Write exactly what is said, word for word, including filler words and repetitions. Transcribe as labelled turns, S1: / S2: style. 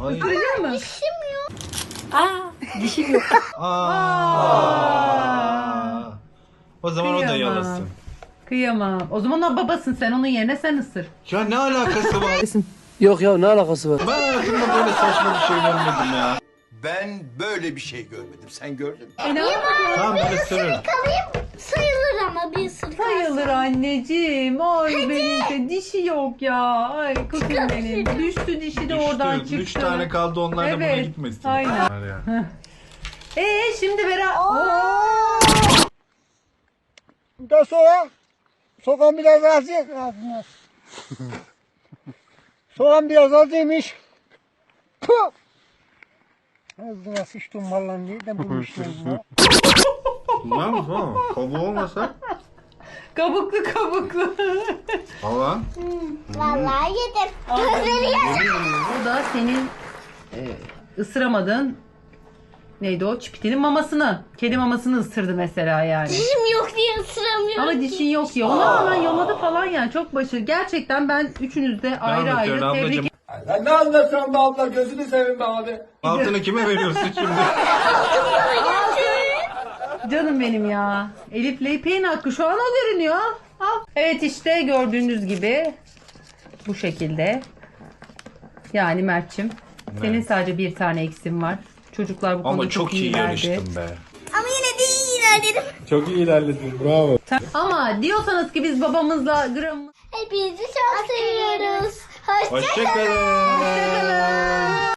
S1: Ay.
S2: Isıracak mı?
S3: Dişim yok.
S2: Aa, dişim yok.
S1: Aa. O zaman o da
S2: Kıyamam.
S1: yalasın.
S2: Kıyamam. O zaman o babasın sen, onun yerine sen ısır.
S1: Ya ne alakası var?
S4: Yok ya ne alakası var?
S1: Ben hayatımda böyle saçma bir şey görmedim ya.
S5: Ben böyle bir şey görmedim. Sen gördün mü?
S2: E ne yapalım?
S1: Tamam ben ısırırım.
S3: Kalayım sayılır ama bir ısırık.
S2: Sayılır anneciğim. Ay benim de dişi yok ya. Ay kızım benim. Düştü dişi de oradan çıktı.
S1: Üç tane kaldı, onlar da buna
S2: Evet,
S1: gitmesin.
S2: aynen.
S1: Var ya.
S2: Ee şimdi Berat.
S6: Da soğan. Soğan biraz az ye. Soğan biraz az yemiş. Puh! Ağzına sıçtım vallahi nereden bulmuşlar bunu?
S1: Var mı tamam? Kabuğu olmasa?
S2: Kabuklu kabuklu.
S1: Valla.
S3: Vallahi yedim. Gözleri yaşardı.
S2: Bu da senin e, ısıramadığın neydi o? Çipitinin mamasını. Kedi mamasını ısırdı mesela yani.
S3: Dişim yok diye ısıramıyorum.
S2: Ama dişin yok ya. Ona rağmen yaladı falan yani. Çok başarılı. Gerçekten ben üçünüz de ayrı ayrı
S1: anlatıyorsun
S2: tebrik
S1: ablacığım?
S4: Sen ne anlatıyorsun be abla gözünü seveyim be abi.
S1: Altını kime veriyorsun şimdi?
S2: Canım benim ya. Elif'le İpek'in hakkı şu an o görünüyor. Al. Evet işte gördüğünüz gibi bu şekilde. Yani Mert'cim senin sadece bir tane eksin var. Çocuklar bu konuda
S1: Ama çok iyi
S2: iyilerdi.
S1: yarıştın be.
S3: Ama yine de iyi ilerledim.
S1: Çok iyi ilerledin, bravo.
S2: Ama diyorsanız ki biz babamızla gram
S3: Hepinizi çok seviyoruz. Hoşça
S1: Hoşçakalın.
S2: Hoşçakalın.